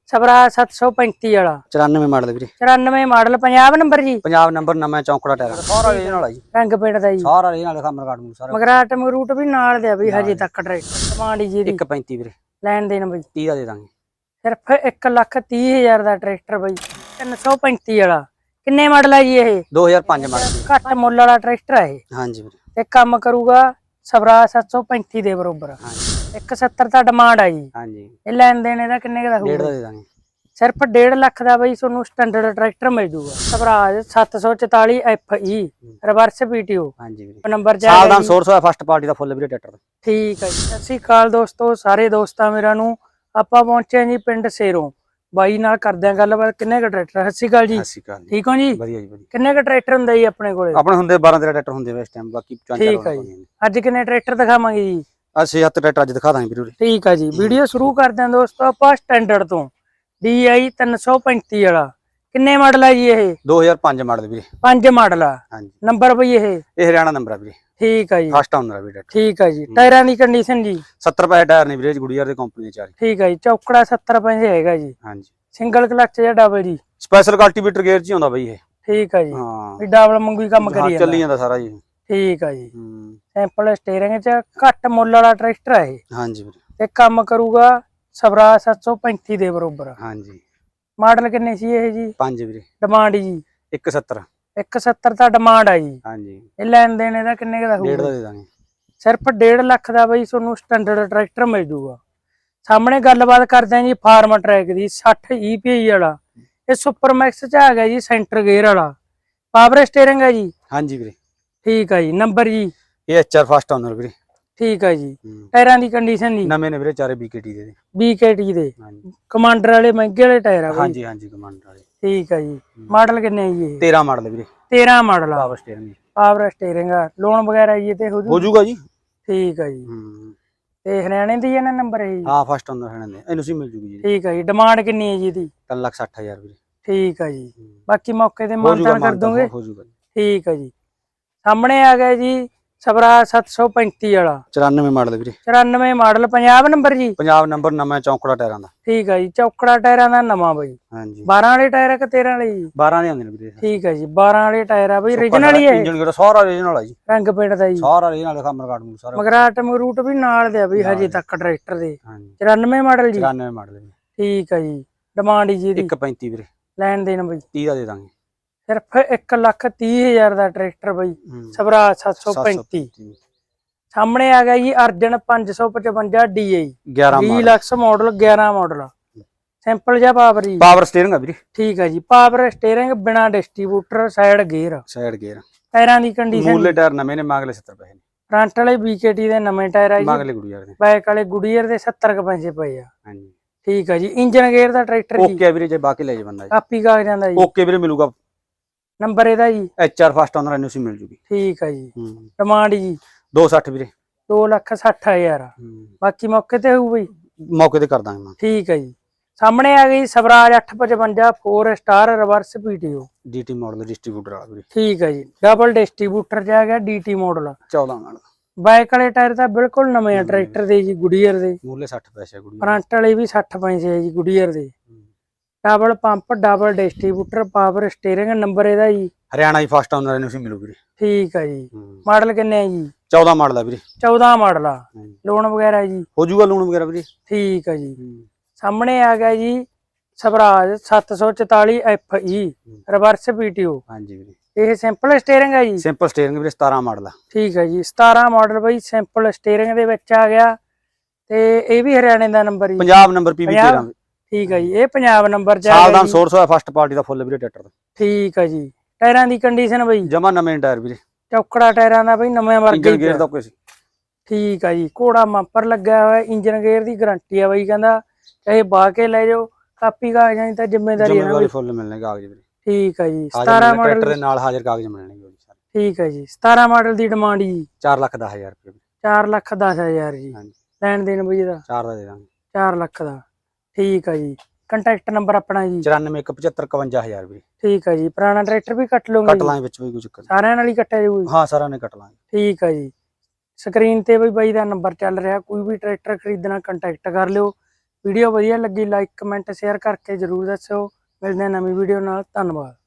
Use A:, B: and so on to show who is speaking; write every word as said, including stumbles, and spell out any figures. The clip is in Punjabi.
A: ਸਵਰਾ ਸੱਤ ਸੌ ਪੈਂਤੀ ਵਾਲਾ
B: ਚੁਰਾਨਵੇਂ ਮਾਡਲ ਵੀਰੇ।
A: ਚੁਰਾਨਵੇਂ ਮਾਡਲ ਪੰਜਾਬ ਨੰਬਰ ਜੀ।
B: ਪੰਜਾਬ ਨੰਬਰ ਨਵਾਂ ਚੌਂਕੜਾ ਟਾਇਰ ਸਾਰਾ ਰੀਜਨਲ ਆ ਜੀ।
A: ਰੰਗ ਪਿੰਡ ਦਾ ਜੀ
B: ਸਾਰਾ ਰੀਜਨਲ ਲਿਖਾ ਮਰਗਾਟ ਨੂੰ ਸਾਰਾ।
A: ਮਗਰਾਟ ਮਗਰੂਟ ਵੀ ਨਾਲ ਦੇ ਆ ਬਈ ਹਜੇ ਤੱਕ ਟਰੈਕਟਰ ਡਿਮਾਂਡ ਜੀ ਦੀ
B: ਇੱਕ ਪੈਂਤੀ ਵੀਰੇ।
A: ਲੈਣ ਦੇਣ ਬਈ
B: ਤੀਹ ਦਾ ਦੇ ਦਾਂਗੇ।
A: ਸਿਰਫ ਇੱਕ ਲੱਖ ਤੀਹ ਹਜ਼ਾਰ ਦਾ ਟਰੈਕਟਰ ਬਈ ਤਿੰਨ ਸੌ ਪੈਂਤੀ ਵਾਲਾ। ਕਿੰਨੇ ਮਾਡਲ ਹੈ ਜੀ ਇਹ?
B: ਦੋ ਹਜ਼ਾਰ ਪੰਜ ਮਾਡਲ।
A: ਘੱਟ ਮੁੱਲ ਵਾਲਾ ਟਰੈਕਟਰ ਹੈ ਇਹ।
B: ਹਾਂਜੀ ਵੀਰੇ।
A: ਤੇ ਕੰਮ ਕਰੂਗਾ ਸਵਰਾ ਸੱਤ ਸੌ ਪੈਂਤੀ ਦੇ ਬਰੋਬਰ।
B: ਹਾਂਜੀ
A: ਇੱਕ ਸੱਤਰ ਦਾ ਡਿਮਾਂਡ ਆ ਜੀ।
B: ਹਾਂਜੀ
A: ਇਹ ਲੈਣ ਦੇਣ ਇਹਦਾ ਕਿੰਨੇ ਦਾ
B: ਡੇਢ ਦਾ
A: ਹੋਊਗਾ?
B: ਦੇ ਦਾਂਗੇ।
A: ਸਿਰਫ ਡੇਢ ਲੱਖ ਦਾ ਬਈ ਤੁਹਾਨੂੰ ਸਟੈਂਡਰਡ ਟਰੈਕਟਰ ਮਿਲ ਜੂਗਾ। ਸਵਰਾਜ ਸੱਤ ਸੌ ਚੁਤਾਲੀ ਐਫ ਈ ਰਿਵਰਸ ਪੀਟੀਓ।
B: ਹਾਂਜੀ ਵੀਰੇ।
A: ਨੰਬਰ ਜਾ
B: ਸਾਲ ਦਾ ਸੋਰਸ ਹੋਇਆ ਫਸਟ ਪਾਰਟੀ ਦਾ ਫੁੱਲ ਵੀਰੇ ਟਰੈਕਟਰ ਦਾ।
A: ਠੀਕ ਹੈ ਜੀ। ਸਤਿ ਸ਼੍ਰੀ ਅਕਾਲ ਦੋਸਤੋ, ਸਾਰੇ ਦੋਸਤਾਂ ਮੇਰਾ ਨੂੰ ਆਪਾਂ ਪਹੁੰਚੇ ਜੀ ਪਿੰਡ ਸੇਰੋਂ। ਬਾਈ ਨਾਲ ਕਰਦੇ ਆ ਗੱਲਬਾਤ। ਕਿੰਨੇ ਕ ਟਰੈਕਟਰ? ਸਤਿ ਸ਼੍ਰੀ ਅਕਾਲ ਜੀ।
B: ਸਤਿ ਸ਼੍ਰੀ ਅਕਾਲ।
A: ਠੀਕ ਹੋ ਜੀ?
B: ਵਧੀਆ ਜੀ ਵਧੀਆ।
A: ਕਿੰਨੇ ਕ ਟਰੈਕਟਰ ਹੁੰਦਾ ਜੀ ਆਪਣੇ ਕੋਲੇ?
B: ਆਪਣੇ ਹੁੰਦੇ ਬਾਰਾਂ ਤੇਰਾਂ ਟਰੈਕਟਰ ਹੁੰਦੇ ਵੇ ਇਸ ਟਾਈਮ, ਬਾਕੀ ਚਾਰ ਚਾਰ
A: ਠੀਕ ਹੈ ਜੀ। ਅੱਜ ਕਿੰਨੇ ਟਰੈਕਟਰ ਦਿਖਾਵਾਂਗੇ ਜੀ?
B: ਅਸੀਂ ਹੱਤ ਟਰੈਕਟਰ ਅੱਜ ਦਿਖਾ ਦਾਂਗੇ ਵੀਰੇ।
A: ਠੀਕ ਹੈ ਜੀ। ਵੀਡੀਓ ਸ਼ੁਰੂ ਕਰਦੇ ਹਾਂ ਦੋਸਤੋ ਆਪਾਂ ਸਟੈਂਡਰਡ ਤੋਂ। ਡੀ ਆਈ ਤਿੰਨ ਸੌ ਪੈਂਤੀ ਵਾਲਾ। ਕਿੰਨੇ ਮਾਡਲ ਹੈ ਜੀ ਇਹ?
B: ਦੋ ਹਜ਼ਾਰ ਪੰਜ ਮਾਡਲ ਵੀਰੇ।
A: ਪੰਜ ਮਾਡਲ ਆ।
B: ਹਾਂਜੀ।
A: ਨੰਬਰ ਬਈ ਇਹ?
B: ਇਹ ਹਰਿਆਣਾ ਨੰਬਰ ਆ ਵੀਰੇ।
A: ਠੀਕ ਹੈ ਜੀ।
B: ਫਸਟ ਆਉਂਦਾ ਆ ਵੀਰੇ।
A: ਠੀਕ ਹੈ ਜੀ। ਟਾਇਰਾਂ ਦੀ ਕੰਡੀਸ਼ਨ ਜੀ?
B: ਸੱਤਰ ਪੈਸੇ ਟਾਇਰ ਨੇ ਵੀਰੇ, ਗੁੜੀਆਰ ਦੇ ਕੰਪਨੀ ਦੇ ਚਾਰ।
A: ਠੀਕ ਹੈ ਜੀ। ਚੌਕੜਾ ਸੱਤਰ ਪੈਸੇ ਹੈਗਾ ਜੀ।
B: ਹਾਂਜੀ।
A: ਸਿੰਗਲ ਕਲਚ ਜਾਂ ਡਬਲ ਜੀ?
B: ਸਪੈਸ਼ਲ ਕਲਟੀਵੇਟਰ ਗੇਅਰ ਚ ਹੀ ਆਉਂਦਾ ਬਈ ਇਹ।
A: ਠੀਕ ਹੈ ਜੀ।
B: ਹਾਂ
A: ਵੀ ਡਬਲ ਮੰਗੂ ਹੀ ਕੰਮ ਕਰੀ
B: ਚੱਲੀ
A: ਜਾਂਦਾ।
B: ਜਾਂਦਾ ਸਾਰਾ ਜੀ।
A: ਠੀਕ ਹੈ ਜੀ।
B: ਹੂੰ
A: ਸੈਂਪਲ ਸਟੀਅਰਿੰਗ ਚ ਘੱਟ ਮੁੱਲ ਵਾਲਾ ਟਰੈਕਟਰ ਹੈ ਇਹ।
B: ਹਾਂਜੀ ਵੀਰੇ।
A: ਤੇ ਕੰਮ ਕਰੂਗਾ ਸਵਰਾ ਸੱਤ ਸੌ ਪੈਂਤੀ ਦੇ ਬਰੋਬਰ।
B: ਹਾਂਜੀ।
A: ਮਾਡਲ ਕਿੰਨੇ ਸੀ ਇਹ ਜੀ?
B: ਪੰਜ ਵੀਰੇ।
A: ਡਿਮਾਂਡ ਜੀ?
B: ਇੱਕ ਸੱਤਰ।
A: ਇੱਕ ਸੱਤਰ ਦਾ ਡਿਮਾਂਡ ਆ ਜੀ।
B: ਹਾਂਜੀ।
A: ਇਹ ਲੈਣ ਦੇਣ ਇਹਦਾ ਕਿੰਨੇ ਦਾ
B: ਡੇਢ ਦਾ
A: ਹੋਊਗਾ?
B: ਦੇ ਦਾਂਗੇ।
A: ਸਿਰਫ ਡੇਢ ਲੱਖ ਦਾ ਬਈ ਤੁਹਾਨੂੰ ਸਟੈਂਡਰਡ ਟਰੈਕਟਰ ਮਿਲ ਜੂਗਾ। ਸਾਹਮਣੇ ਗੱਲਬਾਤ ਕਰਦੇ ਆ ਜੀ ਫਾਰਮ ਟਰੈਕ ਦੀ ਸੱਠ ਈ ਪੀ ਆਈ ਵਾਲਾ। ਇਹ ਸੁਪਰ ਮੈਕਸ ਚ ਆ ਗਿਆ ਜੀ, ਸੈਂਟਰ ਗੇਅਰ ਵਾਲਾ। ਪਾਵਰ ਸਟੀਅਰਿੰਗ ਹੈ ਜੀ?
B: ਹਾਂਜੀ ਵੀਰੇ।
A: ਠੀਕ ਹੈ ਜੀ। ਨੰਬਰ ਜੀ?
B: ਇਹ ਐਚ ਆਰ ਫਸਟ ਆਨਰ ਵੀਰੇ।
A: ਠੀਕ ਹੈ ਜੀ। ਟਾਇਰਾਂ ਦੀ ਕੰਡੀਸ਼ਨ ਜੀ?
B: ਨਵੇਂ ਨੇ ਵੀਰੇ, ਚਾਰੇ ਬੀ ਕੇ ਟੀ ਦੇ।
A: ਬੀ ਕੇ ਟੀ ਦੇ।
B: ਹਾਂਜੀ।
A: ਕਮਾਂਡਰ ਵਾਲੇ ਮਹਿੰਗੇ ਵਾਲੇ ਟਾਇਰ ਆ ਬਈ?
B: ਹਾਂਜੀ ਹਾਂਜੀ ਕਮਾਂਡਰ ਵਾਲੇ।
A: ਠੀਕ ਹੈ ਜੀ। ਮਾਡਲ ਕਿੰਨੇ ਹੈ ਜੀ ਇਹ?
B: ਤੇਰਾਂ ਮਾਡਲ ਵੀਰੇ।
A: ਤੇਰਾਂ ਮਾਡਲ ਆ।
B: Power steering.
A: ਪਾਵਰ ਸਟੀਅਰਿੰਗ ਆ। ਲੋਨ ਵਗੈਰਾ ਜੀ ਤੇ ਹੋ
B: ਹੋ ਜਾਊਗਾ ਜੀ।
A: ਠੀਕ ਹੈ ਜੀ।
B: ਹੂੰ
A: ਤੇ ਹਰਿਆਣੇ ਦੀ ਹੈ ਨਾ ਨੰਬਰ ਇਹ ਜੀ?
B: ਹਾਂ ਫਸਟ ਆਨਰ ਹਣੇ ਨੇ, ਇਹਨੂੰ ਸੀ ਮਿਲ ਜੂਗੀ ਜੀ।
A: ਠੀਕ ਹੈ ਜੀ। ਡਿਮਾਂਡ ਕਿੰਨੀ ਹੈ ਜੀ ਇਹਦੀ?
B: ਤਿੰਨ ਲੱਖ ਸੱਠ ਹਜ਼ਾਰ ਵੀਰੇ।
A: ਠੀਕ ਹੈ ਜੀ। ਬਾਕੀ ਮੌਕੇ ਤੇ
B: ਹੋ ਜਾਊਗਾ,
A: ਮਾਨਤਾਨ ਕਰ ਦੋਗੇ?
B: ਹੋ ਜਾਊਗਾ।
A: ਠੀਕ ਹੈ ਜੀ। ਸਾਹਮਣੇ ਆ ਗਿਆ ਜੀ ਸਵਰਾ ਸੱਤ ਸੌ ਪੈਂਤੀ ਵਾਲਾ।
B: ਚੁਰਾਨਵੇਂ ਮਾਡਲ ਵੀਰੇ।
A: ਚੁਰਾਨਵੇਂ ਮਾਡਲ ਪੰਜਾਬ ਨੰਬਰ ਜੀ?
B: ਪੰਜਾਬ ਨੰਬਰ ਨਵਾਂ ਚੌਂਕੜਾ ਟਾਇਰਾਂ ਦਾ।
A: ਠੀਕ ਹੈ ਜੀ। ਚੌਕੜਾ ਟਾਇਰਾਂ ਦਾ ਨਵਾਂ ਬਈ।
B: ਹਾਂਜੀ।
A: ਬਾਰਾਂ ਵਾਲੇ ਟਾਇਰ ਆ ਕਿ ਤੇਰਾਂ ਵਾਲੇ ਜੀ?
B: ਬਾਰਾਂ ਦੇ ਆਉਂਦੇ ਨੇ ਵੀਰੇ।
A: ਠੀਕ ਹੈ ਜੀ। ਬਾਰਾਂ ਵਾਲੇ ਟਾਇਰ ਆ ਬਈ। ਓਰੀਜਨਲ ਹੀ ਹੈ?
B: ਇੰਜਨ ਗੇਅਰ ਸਾਰਾ ਓਰੀਜਨਲ ਆ ਜੀ।
A: ਰੰਗ ਪਿੰਡ ਦਾ ਜੀ?
B: ਸਾਰਾ ਓਰੀਜਨਲ ਲਿਖਾ ਮਰਗਾਟ ਨੂੰ ਸਾਰਾ।
A: ਮਗਰਾਟ ਮਗਰੂਟ ਵੀ ਨਾਲ ਦੇ ਆ ਬਈ ਹਜੇ ਤੱਕ ਟਰੈਕਟਰ ਦੇ।
B: ਹਾਂਜੀ।
A: ਚੁਰਾਨਵੇਂ ਮਾਡਲ ਜੀ?
B: ਚੁਰਾਨਵੇਂ ਮਾਡਲ ਵੀਰੇ।
A: ਠੀਕ ਹੈ ਜੀ। ਡਿਮਾਂਡ ਜੀ ਦੀ?
B: ਇੱਕ ਪੈਂਤੀ ਵੀਰੇ।
A: ਲੈਣ ਦੇਣ ਬਈ?
B: ਤੀਹ ਦਾ ਦੇ ਦਾਂਗੇ।
A: ਸਿਰਫ ਇੱਕ ਲੱਖ ਤੀਹ ਹਜ਼ਾਰ ਦਾ ਟਰੈਕਟਰ ਬਈ ਸਵਰਾ ਸੱਤ ਸੌ ਪੈਂਤੀ। ਸਾਹਮਣੇ ਆ ਗਿਆ ਜੀ ਅਰਜਨ ਪੰਜ ਸੌ ਪਚਵੰਜਾ ਡੀ ਆਈ
B: ਗਿਆਰਾਂ
A: ਵੀਹ ਲੱਖ ਮਾਡਲ ਗਿਆਰਾਂ ਮਾਡਲ। ਸਿੰਪਲ ਜਿਹਾ ਪਾਵਰ ਜੀ?
B: ਪਾਵਰ ਸਟੀਅਰਿੰਗ ਆ ਵੀਰੇ।
A: ਠੀਕ ਹੈ ਜੀ। ਪਾਵਰ ਸਟੀਅਰਿੰਗ ਬਿਨਾ distributor side gear.
B: Side gear.
A: ਟਾਇਰਾਂ ਦੀ ਕੰਡੀਸ਼ਨ?
B: ਮੂਲੇ ਟਾਇਰ ਨਵੇਂ ਨੇ, ਮਗਲੇ ਸੱਤਰ ਪੈਸੇ ਨੇ।
A: ਫਰੰਟ ਵਾਲੇ ਬੀ ਕੇ ਟੀ ਦੇ ਨਵੇਂ ਟਾਇਰ ਆ ਜੀ।
B: ਮਗਲੇ ਗੁੜੀਆਰ ਦੇ।
A: ਬੈਕ ਵਾਲੇ ਗੁਡੀਅਰ ਦੇ ਸੱਤਰ ਕੁ ਪੈਸੇ ਪਏ ਆ।
B: ਹਾਂਜੀ।
A: ਠੀਕ ਹੈ ਜੀ। ਇੰਜਨ ਗੇਅਰ ਦਾ ਟਰੈਕਟਰ ਜੀ?
B: ਓਕੇ ਵੀਰੇ, ਜੇ ਬਾਕੀ ਲੈ ਜਾ ਬੰਦਾ ਜੀ।
A: ਕਾਪੀ ਕਾਗਜ਼ਾਂ ਦਾ ਜੀ?
B: ਓਕੇ ਵੀਰੇ ਮਿਲੂਗਾ।
A: ਨੰਬਰ ਇਹਦਾ ਜੀ?
B: ਐਚ ਆਰ ਫਸਟ ਆਨਰ ਇਹਨੂੰ ਸੀ ਮਿਲ ਜੂਗੀ।
A: ਠੀਕ ਹੈ ਜੀ।
B: ਹੂੰ
A: ਡਿਮਾਂਡ ਜੀ?
B: ਦੋ ਸੱਠ ਵੀਰੇ।
A: ਦੋ ਲੱਖ ਸੱਠ ਹਜ਼ਾਰ। ਬਾਕੀ ਮੌਕੇ ਤੇ ਹੋਊ ਬਈ?
B: ਮੌਕੇ ਤੇ ਕਰ ਦਾਂਗੇ ਮੈਂ।
A: ਠੀਕ ਹੈ ਜੀ। ਸਾਹਮਣੇ ਆ ਗਈ ਸਵਰਾਜ ਅੱਠ ਪਚਵੰਜਾ four star reverse PTO.
B: DT model distributor ਵਾਲਾ ਵੀਰੇ।
A: ਠੀਕ ਹੈ ਜੀ। ਡਬਲ ਡਿਸਟ੍ਰੀਬਿਊਟਰ ਚ ਆ ਗਿਆ ਡੀਟੀ ਮਾਡਲ।
B: ਚੌਦਾਂ ਮਾਡਲ।
A: ਬਾਈਕ ਵਾਲੇ ਟਾਇਰ ਤਾਂ ਬਿਲਕੁਲ ਨਵੇਂ ਆ ਟਰੈਕਟਰ ਦੇ ਜੀ ਗੁਡੀਅਰ ਦੇ।
B: ਮੂਲੇ ਸੱਠ ਪੈਸੇ ਗੁੜੀਆਰ।
A: ਫਰੰਟ ਵਾਲੇ ਵੀ ਸੱਠ ਪੈਸੇ ਆ ਜੀ ਗੁਡੀਅਰ ਦੇ। Double pump double distributor power steering. Number ਇਹਦਾ ਜੀ?
B: ਹਰਿਆਣਾ ਹੀ ਫਸਟ ਆਨਰ ਇਹਨੂੰ ਸੀ ਮਿਲੂ ਵੀਰੇ।
A: ਠੀਕ ਹੈ ਜੀ। ਮਾਡਲ ਕਿੰਨੇ ਆ ਜੀ?
B: ਚੌਦਾਂ ਮਾਡਲ ਆ ਵੀਰੇ।
A: ਚੌਦਾਂ ਮਾਡਲ ਆ। ਲੋਨ ਵਗੈਰਾ ਜੀ?
B: ਹੋ ਜਾਊਗਾ ਲੋਨ ਵਗੈਰਾ ਵੀਰੇ।
A: ਠੀਕ ਹੈ ਜੀ। ਸਾਹਮਣੇ ਆ ਗਿਆ ਜੀ ਸਵਰਾਜ ਸੱਤ ਸੌ ਚੁਤਾਲੀ ਐਫ ਈ ਰਿਵਰਸ ਪੀਟੀਓ।
B: ਹਾਂਜੀ ਵੀਰੇ।
A: ਇਹ ਸਿੰਪਲ ਸਟੀਅਰਿੰਗ ਹੈ ਜੀ?
B: ਸਿੰਪਲ ਸਟੀਅਰਿੰਗ ਵੀਰੇ। ਸਤਾਰਾਂ ਮਾਡਲ ਆ।
A: ਠੀਕ ਹੈ ਜੀ। ਸਤਾਰਾਂ ਮਾਡਲ ਬਈ ਸਿੰਪਲ ਸਟੀਅਰਿੰਗ ਦੇ ਵਿੱਚ ਆ ਗਿਆ। ਤੇ ਇਹ ਵੀ ਹਰਿਆਣੇ ਦਾ ਨੰਬਰ ਜੀ?
B: ਪੰਜਾਬ ਨੰਬਰ ਪੀ ਵੀ ਤੇਰਾਂ।
A: ਠੀਕ ਹੈ ਜੀ। ਇਹ ਪੰਜਾਬ ਨੰਬਰ ਚ ਆ
B: ਸਾਲ
A: ਗਿਆ
B: ਦਾ
A: ਜੀ।
B: ਸੋਰਸ ਹੋਇਆ ਫਸਟ ਪਾਰਟੀ ਦਾ ਫੁੱਲ ਵੀਰੇ ਟਰੈਕਟਰ ਦਾ।
A: ਠੀਕ ਹੈ ਜੀ। ਟਾਇਰਾਂ ਦੀ ਕੰਡੀਸ਼ਨ ਬਈ?
B: ਜਮਾ ਨਵੇਂ ਟਾਇਰ ਵੀਰੇ।
A: ਚੌਕੜਾ ਟਾਇਰਾਂ ਦਾ ਬਈ ਨਵੇਂ ਵਰਗਾ
B: ਇੰਜਨ
A: ਹੀ
B: ਗੇਅਰ ਦਾ ਕੋਈ ਸੀ।
A: ਠੀਕ ਹੈ ਜੀ। ਘੋੜਾ ਮੰਪਰ ਲੱਗਿਆ ਹੋਇਆ। ਇੰਜਨ ਗੇਅਰ ਦੀ ਗਾਰੰਟੀ ਆ ਬਈ, ਕਹਿੰਦਾ ਚਾਹੇ ਬਾਹ ਕੇ ਲੈ ਜਾਓ। ਕਾਪੀ ਕਾਗਜ਼ਾਂ ਦੀ ਤਾਂ ਜ਼ਿੰਮੇਵਾਰੀ ਹੈ ਨਾ
B: ਜ਼ਿੰਮੇਵਾਰੀ ਫੁੱਲ ਮਿਲਣੇ ਕਾਗਜ਼ ਵੀਰੇ।
A: ਠੀਕ ਹੈ ਜੀ। ਸਤਾਰਾਂ ਮਾਡਲ
B: ਟਰੈਕਟਰ ਦੇ ਨਾਲ ਹਾਜ਼ਰ ਕਾਗਜ਼ ਮਿਲਣਗੇ।
A: ਠੀਕ ਹੈ ਜੀ। ਸਤਾਰਾਂ ਮਾਡਲ ਦੀ ਡਿਮਾਂਡ ਜੀ?
B: ਚਾਰ ਲੱਖ ਦਸ ਹਜ਼ਾਰ ਰੁਪਏ।
A: ਚਾਰ ਲੱਖ ਦਸ ਹਜ਼ਾਰ ਜੀ।
B: ਹਾਂਜੀ।
A: ਲੈਣ ਦੇਣ ਬਈ ਇਹਦਾ?
B: ਚਾਰ ਦਾ ਦੇ ਦਾਂਗੇ।
A: ਚਾਰ ਲੱਖ ਦਾ। ਠੀਕ ਹੈ ਜੀ। ਕੰਟੈਕਟ ਨੰਬਰ ਆਪਣਾ ਜੀ?
B: ਚੁਰਾਨਵੇਂ ਇੱਕ ਪਝੱਤਰ ਇਕਵੰਜਾ ਹਜ਼ਾਰ ਵੀਰੇ।
A: ਠੀਕ ਹੈ ਜੀ। ਪੁਰਾਣਾ ਟਰੈਕਟਰ ਵੀ ਕੱਟ ਲਓਗੇ?
B: ਕੱਟ ਲਾਂਗੇ ਵਿੱਚ ਵੀ ਕੋਈ ਚੱਕਰ।
A: ਸਾਰਿਆਂ ਨਾਲ ਹੀ ਕੱਟਿਆ ਜਾਊ?
B: ਹਾਂ ਸਾਰਿਆਂ ਨੇ ਕੱਟ ਲਾਂਗੇ।
A: ਠੀਕ ਹੈ ਜੀ। ਸਕਰੀਨ ਤੇ ਬਈ ਬਾਈ ਦਾ ਨੰਬਰ ਚੱਲ ਰਿਹਾ। ਕੋਈ ਵੀ ਟਰੈਕਟਰ ਖਰੀਦਣਾ ਕੰਟੈਕਟ ਕਰ ਲਿਓ। ਵੀਡੀਓ ਵਧੀਆ ਲੱਗੀ ਲਾਈਕ ਕਮੈਂਟ ਸ਼ੇਅਰ ਕਰਕੇ ਜਰੂਰ ਦੱਸਿਓ। ਮਿਲਦੇ ਹਾਂ ਨਵੀਂ ਵੀਡੀਓ ਨਾਲ। ਧੰਨਵਾਦ।